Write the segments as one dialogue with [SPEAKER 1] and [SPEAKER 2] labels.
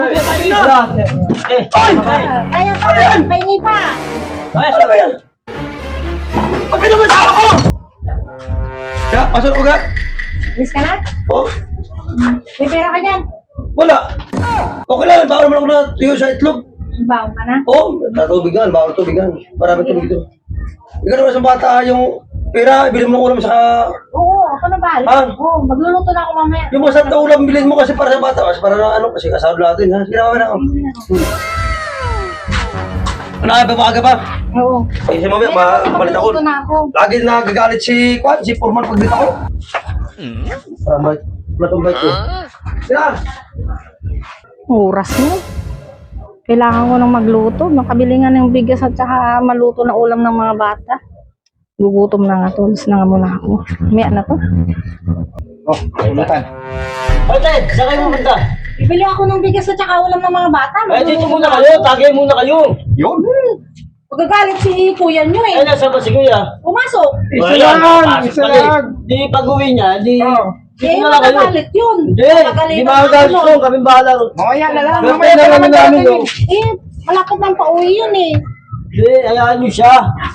[SPEAKER 1] Kaya pa yan! Pahingi pa!
[SPEAKER 2] Ano ba yan? Pagpin naman sa ako! Kaya, pasok ko ka?
[SPEAKER 1] Miss ka na?
[SPEAKER 2] Oh,
[SPEAKER 1] May pera ka dyan?
[SPEAKER 2] wala. Okay lang, bawal naman ako na tuyo sa itlog.
[SPEAKER 1] Baon ka na?
[SPEAKER 2] Oo, natubigan, bawal tubigan. Maraming tubig ito. Ikaw naman sa bata, yung pera, ibili mo ng ulam sa...
[SPEAKER 1] Oo, ako na ba?
[SPEAKER 2] Ah.
[SPEAKER 1] Oo, magluluto na ako mamaya.
[SPEAKER 2] Yung masarap na ulam, bilhin mo kasi para sa bata. Kasi para na ano, kasi kasama natin, ha? Sige na, mamaya na ako. Ano kaya ba maaga pa?
[SPEAKER 1] Oo.
[SPEAKER 2] Kasi mamaya, mapalit ako.
[SPEAKER 1] Magluluto na ako.
[SPEAKER 2] Lagi nagagalit si Kwan, si Purman pag dito ako. Matumbay ko. Sira!
[SPEAKER 1] Oras mo. Kailangan ko nang magluto. Makabili nga ng bigas at saka maluto na ulam ng mga bata. Gugutom na nga to. Alis na nga muna ako. May na to.
[SPEAKER 3] Oh, pulutan.
[SPEAKER 2] Ay, Ted, saan kayo pumunta?
[SPEAKER 1] Bibili ako ng bigas at saka ulam ng mga bata.
[SPEAKER 2] Ay, dito muna kayo, tagay muna kayo.
[SPEAKER 3] Yun.
[SPEAKER 1] Pagkagalit si kuya nyo
[SPEAKER 2] Ay,
[SPEAKER 1] eh.
[SPEAKER 2] nasa ba si Kuya?
[SPEAKER 1] Pumasok.
[SPEAKER 3] Isa lang, isa lang.
[SPEAKER 2] Di pag-uwi niya, di...
[SPEAKER 1] Eh,
[SPEAKER 2] Dito na lang kayo.
[SPEAKER 1] magagalit yun.
[SPEAKER 2] Hindi, di makagalit ko, kami bahala.
[SPEAKER 3] Mamaya na lang.
[SPEAKER 2] Mamaya
[SPEAKER 3] Mamaya
[SPEAKER 2] na
[SPEAKER 3] na
[SPEAKER 2] namin
[SPEAKER 3] lang.
[SPEAKER 2] namin, oh.
[SPEAKER 1] Eh, malapit ng pauwi yun eh.
[SPEAKER 2] Hindi, hayaan niyo siya.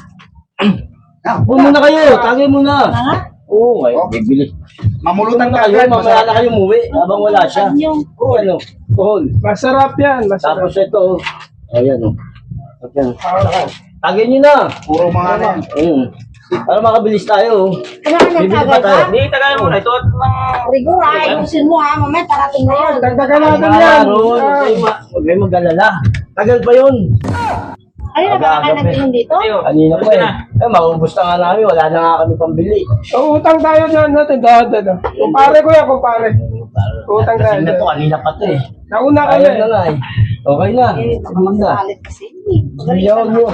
[SPEAKER 2] Muna kayo, tagay muna.
[SPEAKER 1] Nga?
[SPEAKER 2] Oo, ngayon, bibili.
[SPEAKER 3] Mamulutan
[SPEAKER 2] Muna
[SPEAKER 3] ka
[SPEAKER 2] kayo,
[SPEAKER 3] agad.
[SPEAKER 2] mamaya na kayo umuwi, habang wala siya.
[SPEAKER 1] Yung
[SPEAKER 2] Oo, ano, kuhol.
[SPEAKER 4] Masarap yan, masarap.
[SPEAKER 2] Tapos ito, oh. Ayan, oh. Ayan. Tagay niyo na.
[SPEAKER 3] Puro mga ano yan.
[SPEAKER 2] Para makabilis tayo, oh.
[SPEAKER 1] kailangan
[SPEAKER 2] Bibili
[SPEAKER 1] nagkagay
[SPEAKER 2] pa tayo.
[SPEAKER 1] ka.
[SPEAKER 2] Hindi, tagay muna. Ito at mga...
[SPEAKER 1] Rigor, ayusin mo ha. Mamaya parating na yun.
[SPEAKER 4] Dagdagan natin yan.
[SPEAKER 2] Ron, huwag kayo mag-alala. Tagal pa yun.
[SPEAKER 1] Ano na ba ka nag-inom dito?
[SPEAKER 2] Kanina po eh. Eh, maubos na nga namin. Wala na nga kami pambili.
[SPEAKER 4] Utang tayo dyan natin. Dada. Kumpare ko yan, kumpare. Utang tayo
[SPEAKER 2] Kasi na
[SPEAKER 4] dyan.
[SPEAKER 2] to, kanina pa to eh.
[SPEAKER 4] Nauna kami.
[SPEAKER 2] Ayaw na nga eh. Okay na.
[SPEAKER 1] Eh,
[SPEAKER 2] Sige na.
[SPEAKER 1] makasalit kasi.
[SPEAKER 2] Ayaw nyo.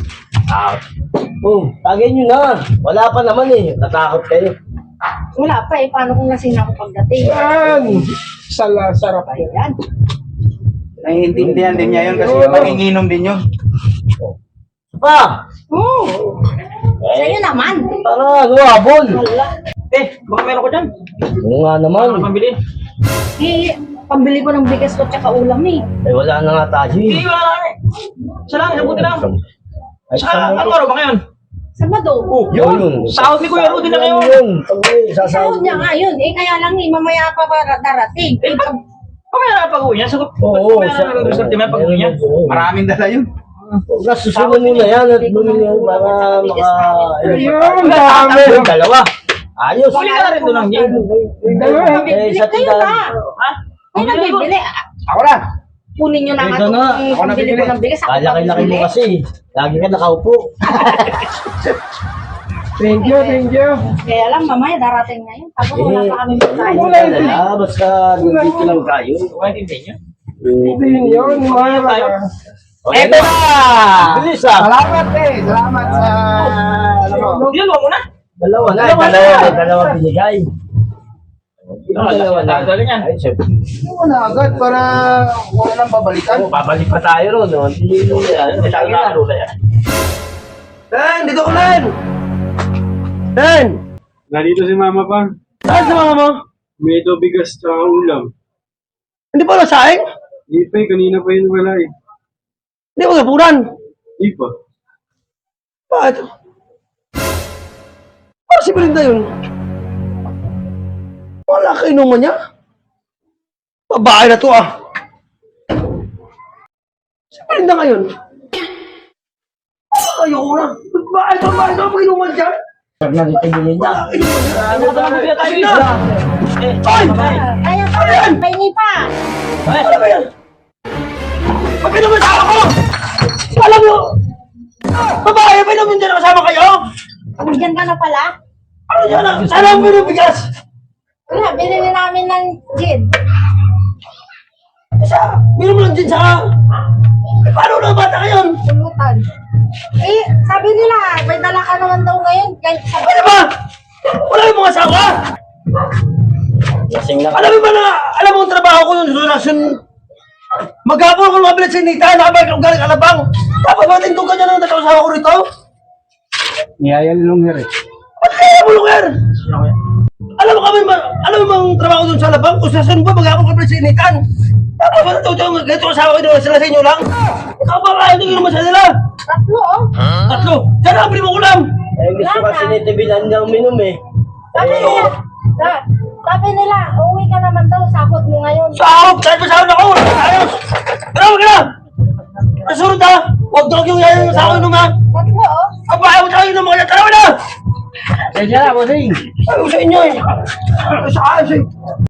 [SPEAKER 2] Oh, tagay nyo na. Wala pa naman eh. Natakot kayo.
[SPEAKER 1] Wala pa eh. Paano kung lasing ako pagdating?
[SPEAKER 4] Yan. Sarap.
[SPEAKER 1] Ayan.
[SPEAKER 3] Naiintindihan din niya yun kasi manginginom din yun.
[SPEAKER 2] Pa!
[SPEAKER 1] Oo. Sa'yo naman.
[SPEAKER 2] Tara, habol.
[SPEAKER 1] Wala.
[SPEAKER 2] Baka meron ko dyan. Oo nga naman. Pambili?
[SPEAKER 1] Eh, pambili ko ng bigas ko tsaka ulam eh.
[SPEAKER 2] Eh, wala na nga tayo eh.
[SPEAKER 5] Wala na. Isa lang, isang buti lang.
[SPEAKER 2] Ay,
[SPEAKER 5] Ano araw ba ngayon?
[SPEAKER 1] Sabado.
[SPEAKER 2] Yun.
[SPEAKER 5] Sahod ni Kuya Rudy na ngayon.
[SPEAKER 2] Yun.
[SPEAKER 1] Sahod niya nga yun. Eh, kaya lang eh, mamaya pa ba darating? Eh,
[SPEAKER 5] Mamaya na pag-uwi niya. Sagot,
[SPEAKER 2] Oo.
[SPEAKER 5] mamaya na nag-resort niya pag-uwi niya.
[SPEAKER 3] Maraming dala yun.
[SPEAKER 2] Nasusunod muna yan at bumili para maka...
[SPEAKER 4] Yun, dami.
[SPEAKER 2] Yung dalawa. Ayos.
[SPEAKER 5] Huli ka na rin doon ang game.
[SPEAKER 2] Eh,
[SPEAKER 1] bibili
[SPEAKER 2] sa
[SPEAKER 1] kayo
[SPEAKER 2] tindahan.
[SPEAKER 1] na.
[SPEAKER 5] Ha?
[SPEAKER 1] Kayo na bibili.
[SPEAKER 3] Ako na.
[SPEAKER 1] Kunin nyo na nga
[SPEAKER 2] Ikaw na.
[SPEAKER 1] itong
[SPEAKER 3] Ako na
[SPEAKER 1] pambili ko
[SPEAKER 3] bibili.
[SPEAKER 1] ng bigas. Ako pa
[SPEAKER 2] Laki-laki mo
[SPEAKER 1] bibili.
[SPEAKER 2] kasi. Lagi ka nakaupo.
[SPEAKER 4] Thank you, thank you.
[SPEAKER 1] Kaya lang, mamaya darating na yun. Tapos wala pa kami pagkain.
[SPEAKER 4] Wala yun.
[SPEAKER 2] Dala, basta nandito lang tayo.
[SPEAKER 5] Maintindihan niyo?
[SPEAKER 4] Hindi yun. Mahal.
[SPEAKER 2] Eto na! Bilis ah!
[SPEAKER 3] Salamat eh. Salamat sa... Alam mo.
[SPEAKER 5] Yan, huwag mo na.
[SPEAKER 2] Dalawa na. Dalawa binigay. Dalawa na.
[SPEAKER 5] Dalawa yan.
[SPEAKER 2] Ay, syempre.
[SPEAKER 3] Ano na agad para wala nang babalikan.
[SPEAKER 2] Babalik pa tayo ron. No? Hindi yan. Lagi na.
[SPEAKER 4] Ten, dito ko Len. Ten.
[SPEAKER 6] Nandito si mama pa.
[SPEAKER 4] Saan sa mga mo?
[SPEAKER 6] May ito bigas sa ulam.
[SPEAKER 4] Hindi pa nasaing?
[SPEAKER 6] Di pa eh, kanina pa yun wala eh.
[SPEAKER 4] Hindi mo gapuran.
[SPEAKER 6] Di pa.
[SPEAKER 4] Bakit? Para si Belinda yun. Wala ka inuman niya. Babae na to ah. Si Belinda ngayon. Ayoko na. Babae na pag inuman dyan.
[SPEAKER 2] Pag nagtitingin niya.
[SPEAKER 4] Ay!
[SPEAKER 1] Kaya pa yan. Pahingi pa.
[SPEAKER 4] Ano ba yan? Pag inuman sa ako! Alam mo! Babae, pa inuman dyan kasama kayo?
[SPEAKER 1] Nandiyan ka na pala.
[SPEAKER 4] Ano dyan na? Sana ang binubigas?
[SPEAKER 1] Wala, binili namin ng gin.
[SPEAKER 4] Isa, binom lang dyan sa... Eh, paano na bata kayo?
[SPEAKER 1] Pulutan. Eh, sabi nila, may dala ka naman daw ngayon. Kahit sa
[SPEAKER 4] Ano ba? Wala yung mga asawa?
[SPEAKER 2] Lasing na.
[SPEAKER 4] Alam mo ba na, alam mo ang trabaho ko yung relasyon? Maghapon ko lumabilit sa Nita, nakabalik ng galing Alabang. Tapos ba tintukan niya ng nagkasawa ko rito?
[SPEAKER 6] Niyaya nilong her eh.
[SPEAKER 4] Ba't kaya mo lugar? Alam mo kami, alam mo bang trabaho dun sa Alabang? Kung saan ba maghapon ka sa Initan?
[SPEAKER 2] Tapos ba ito, ganito asawa ko naman sila sa inyo lang? Ikaw ba kaya ito naman sa nila?
[SPEAKER 1] Tatlo, oh.
[SPEAKER 2] Tatlo. Sana ang mo ulam.
[SPEAKER 7] Eh, gusto kasi ni Tibilan daw minum eh.
[SPEAKER 1] Sabi nila, uwi ka naman daw, sahod mo ngayon.
[SPEAKER 2] Sahod! Kahit pa sahod ako! Ayos! Tara, wag ka na! Nasunod ha! Huwag daw yung yayan sa akin nung ha!
[SPEAKER 1] Tatlo, oh.
[SPEAKER 2] Kabahay mo tayo ng mga yan! Tara, wag na!
[SPEAKER 7] Kaya bossing.
[SPEAKER 2] Ayaw sa inyo eh! Sa ayos eh!